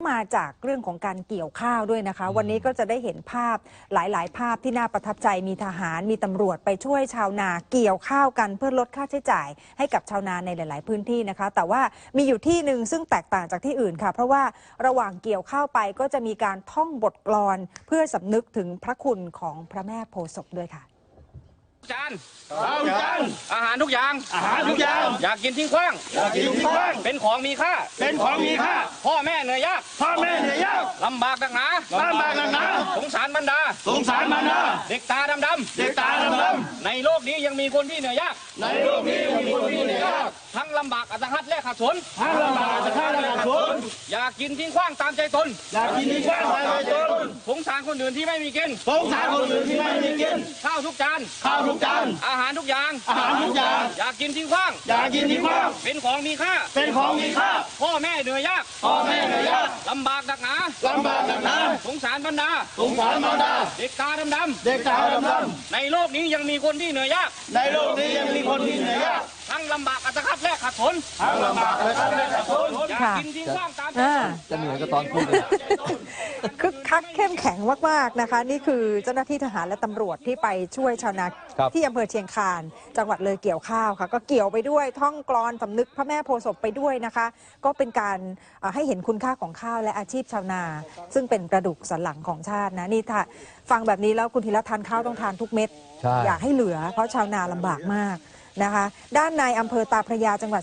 มาจากเรื่องของการเกี่ยวข้าวด้วยนะคะวันนี้ก็จะได้เห็นภาพหลายๆภาพที่น่าประทับใจมีทหารมีตำรวจไปช่วยชาวนาเกี่ยวข้าวกันเพื่อลดค่าใช้จ่ายให้กับชาวนาในหลาย ๆพื้นที่นะคะแต่ว่ามีอยู่ที่หนึ่งซึ่งแตกต่างจากที่อื่นค่ะเพราะว่าระหว่างเกี่ยวข้าวไปก็จะมีการท่องบทกลอนเพื่อสำนึกถึงพระคุณของพระแม่โพธิ์ศพด้วยค่ะจานอาหารทุกอย่างอยากกินทิ้งขว้างเป็นของมีค่าพ่อแม่เหนื่อยยากลำบากหนักหนาสงสารบรรดาเด็กตาดำในโลกนี้ยังมีคนที่เหนื่อยยากทั้งลำบากอัตหัดและขัดสนอยากกินทิ้งขว้างตามใจตนสงสารคนอื่นที่ไม่มีกินข้าวทุกจานอาหารทุกอย่างอยากกินทิ้งขว้างเป็นของมีค่าพ่อแม่เหนื่อยยากลำบากหนักหนาสงสารบรรดาเด็กตาดำในโลกนี้ยังมีคนที่เหนื่อยยากทั้งลำบากอัตคัดและขัดสนอยากกินทิ้งขว้างตามใจจะเหนื่อยก็ตอนพูดเลยคึกคักเข้มแข็งมากๆนะคะนี่คือเจ้าหน้าที่ทหารและตำรวจที่ไปช่วยชาวนาที่อำเภอเชียงคานจังหวัดเลยเกี่ยวข้าวค่ะก็เกี่ยวไปด้วยท่องกลอนสำนึกพระแม่โพธิ์ศพไปด้วยนะคะก็เป็นการให้เห็นคุณค่าของข้าวและอาชีพชาวนาซึ่งเป็นกระดูกสันหลังของชาตินะนี่ถ้าฟังแบบนี้แล้วคุณธีรทานข้าวต้องทานทุกเม็ดอยากให้เหลือเพราะชาวนาลำบากมากนะคะด้านในอำเภอตาพระยาจังหวัด